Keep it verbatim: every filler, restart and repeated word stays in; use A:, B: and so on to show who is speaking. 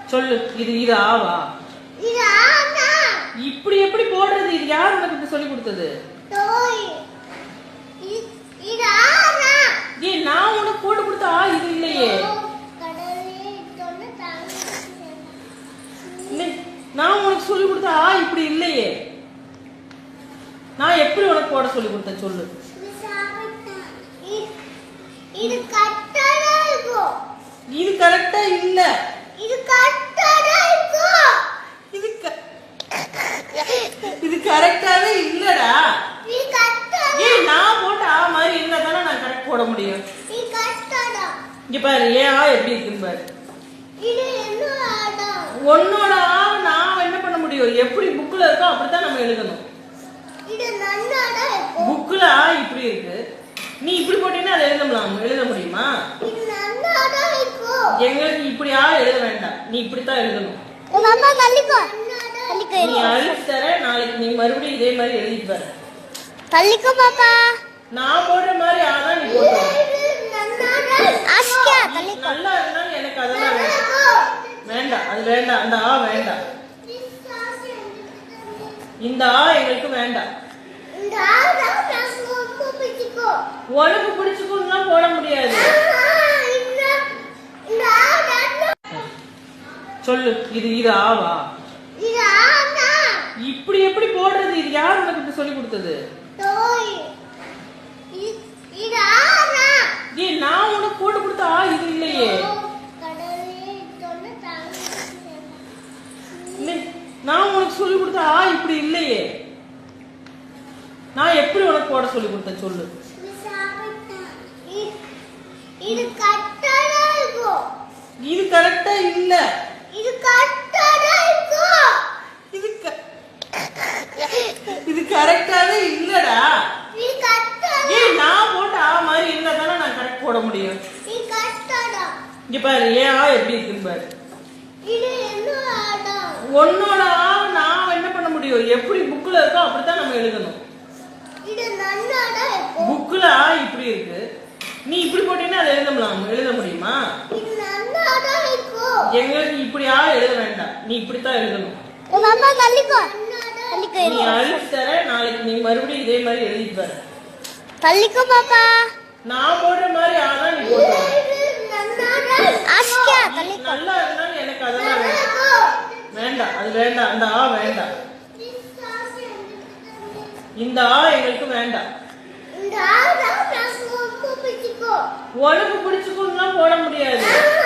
A: சொல்லு. இது இது ஆவா?
B: இது ஆனா.
A: இப்படி எப்படி போடுறது? இது யார் உனக்கு சொல்லி கொடுத்தது?
B: தோய். இது ஆனா.
A: ஏய், நான் உனக்கு போட்டு கொடுத்த ஆ இது இல்லையே.
B: கடலே தொன்னு தாங்க.
A: நான் உனக்கு சொல்லி கொடுத்த ஆ இப்படி இல்லையே. நான் எப்படி உனக்கு போட சொல்லி கொடுத்தேன் சொல்லு.
B: இது கரெக்ட்டா இருக்கும்.
A: இது கரெக்ட்டா இல்ல.
B: இது கரெக்ட்டா இருக்கும்.
A: இது இது கரெக்ட்டாவே இல்லடா.
B: இது கரெக்ட்டா.
A: ஏய், நான் போட்ட ஆ மாதிரி இருந்தா தானே நான் கரெக்ட் போட முடியும்.
B: இது கரெக்ட்டாடா.
A: இங்க பாரு, ஏ ஆ எப்படி இருக்குன்னு பாரு.
B: இது என்னடா?
A: உன்னோட ஆ நான் என்ன பண்ண முடியும்? எப்படி புக்ல இருக்கோ அப்படிதான் நம்ம எழுதணும்.
B: இது நன்னாடா இருக்கும்.
A: புக்ல ஆ இப்படி இருக்கு, நீ இப்படி போட்டீங்கன்னா அதை எழுதலாம். எழுத முடியுமா?
B: இது நன்னாடா இருக்கும்.
A: எங்களுக்கு இப்படியா எழுத வேண்டாம், நீ இப்படித்தான் எழுதணும்.
B: மாமா தள்ளிக்கோ. தள்ளிக்கோ.
A: நீ அழிச்சு தர, நாளைக்கு நீ மறுபடியும் இதே மாதிரி எழுதிட்டு வர.
B: தள்ளிக்கோ பாப்பா.
A: நான் போடுற மாதிரி ஆனா நீ போடு.
B: நன்னாடா. ஆஸ்கியா தள்ளிக்கோ.
A: நல்லா இருந்தாலும் எனக்கு அதெல்லாம் வேண்டாம். வேண்டாம், அது வேண்டாம். அந்த ஆ வேண்டாம். இந்த ஆ எங்களுக்கு வேண்டாம்.
B: இந்த ஆ தான் எனக்கு பிடிச்சுக்கோ.
A: உனக்கு பிடிச்சுக்கோன்னா போட முடியாது. சொல்லு. இது இது ஆவா?
B: இது ஆனா.
A: இப்படி எப்படி போடுறது? இது யார் உனக்கு சொல்லி கொடுத்தது?
B: தோய். இது ஆனா.
A: ஏய், நான் உனக்கு போட்டு கொடுத்த ஆ இது இல்லையே.
B: கடலே தொன்னு தாங்க.
A: நான் உனக்கு சொல்லி கொடுத்த ஆ இப்படி இல்லையே. நான் எப்படி உனக்கு போட சொல்லி கொடுத்தேன் சொல்லு.
B: இது கரெக்ட்டா இருக்கும்.
A: இது கரெக்ட்டா இல்ல.
B: இது கரெக்ட்டா இருக்கும்.
A: இது இது கரெக்ட்டாவே இல்லடா.
B: இது கரெக்ட்டா.
A: ஏய், நான் போட்ட ஆ மாதிரி இருந்தா தானே நான் கரெக்ட் போட முடியும்.
B: இது கரெக்ட்டாடா.
A: இங்க பாரு, ஏ ஆ எப்படி இருக்குன்னு பாரு.
B: இது என்னடா?
A: உன்னோட ஆ நான் என்ன பண்ண முடியும்? எப்படி புக்ல இருக்கோ அப்படித்தான் நம்ம எழுதணும்.
B: இது நன்னாடா இருக்கும்.
A: புக்ல ஆ இப்படி இருக்கு, நீ இப்படி போட்டீங்கன்னா அதை எழுதலாம். எழுத முடியுமா?
B: இது நன்னாடா இருக்கும்.
A: எங்களுக்கு இப்படியா எழுத வேண்டாம், நீ இப்படித்தான் எழுதணும்.
B: மாமா தள்ளிக்கோ. தள்ளிக்கோ.
A: நீ அழிச்சு தர, நாளைக்கு நீ மறுபடியும் இதே மாதிரி எழுதிட்டு வர.
B: தள்ளிக்கோ பாப்பா.
A: நான் போடுற மாதிரி ஆனா நீ போடு.
B: ஆஸ்கியா தள்ளிக்கோ.
A: நல்லா இருந்தாலும் எனக்கு அதெல்லாம் வேண்டாம். வேண்டாம், அது வேண்டாம். அந்த ஆ வேண்டாம். இந்த ஆ எங்களுக்கு வேண்டாம்.
B: இந்த ஆ தான் எனக்கு பிடிச்சுக்கோ.
A: உனக்கு பிடிச்சுக்கோன்னா போட முடியாது.